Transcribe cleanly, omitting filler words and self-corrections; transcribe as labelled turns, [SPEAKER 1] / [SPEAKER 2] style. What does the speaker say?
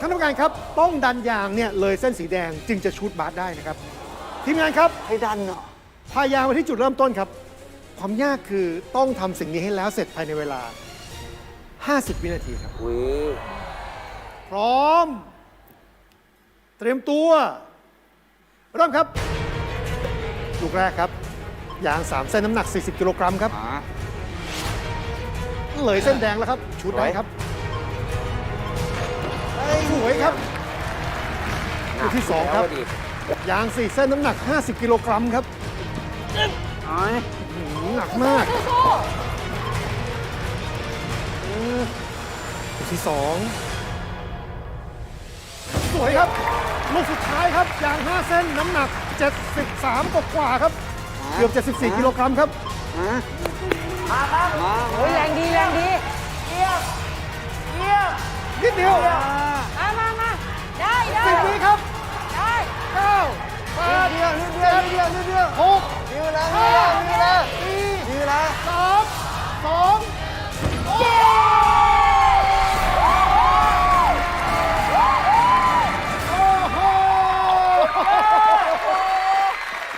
[SPEAKER 1] านผู้การครับต้องดันยางเนี่ยเลยเส้นสีแดงจึงจะชูตบาสได้นะครับทีมงานครับ
[SPEAKER 2] ให้ดันเหรอ
[SPEAKER 1] พายางไปที่จุดเริ่มต้นครับ ความยากคือต้องทำสิ่งนี้ให้แล้วเสร็จภายในเวลา 50 วินาทีครับ
[SPEAKER 2] อุ้ย
[SPEAKER 1] พร้อม เตรียมตัว เริ่มครับลูกแรกครับ ยาง 3 เส้นน้ำหนัก 40 กิโลกรัมครับ เลยเส้นแดงแล้วครับ ชุดได้ครับสวยครับลูกที่ 2 ครับ ยาง 4 เส้นน้ำหนัก 50 กิโลกรัมครับหนักมากลูกที่ 2 สวยครับ ลูกสุดท้ายครับ ยาง 5 เส้นน้ำหนัก 73 กว่าๆครับ เกือบ 74 กิโลกรัมครับ
[SPEAKER 3] โอ้ยแรงดีแรงดี
[SPEAKER 1] นิดเดียว
[SPEAKER 3] มาได้ได้
[SPEAKER 1] 10 วิครับ
[SPEAKER 3] ได้
[SPEAKER 1] 9 8 7 6 5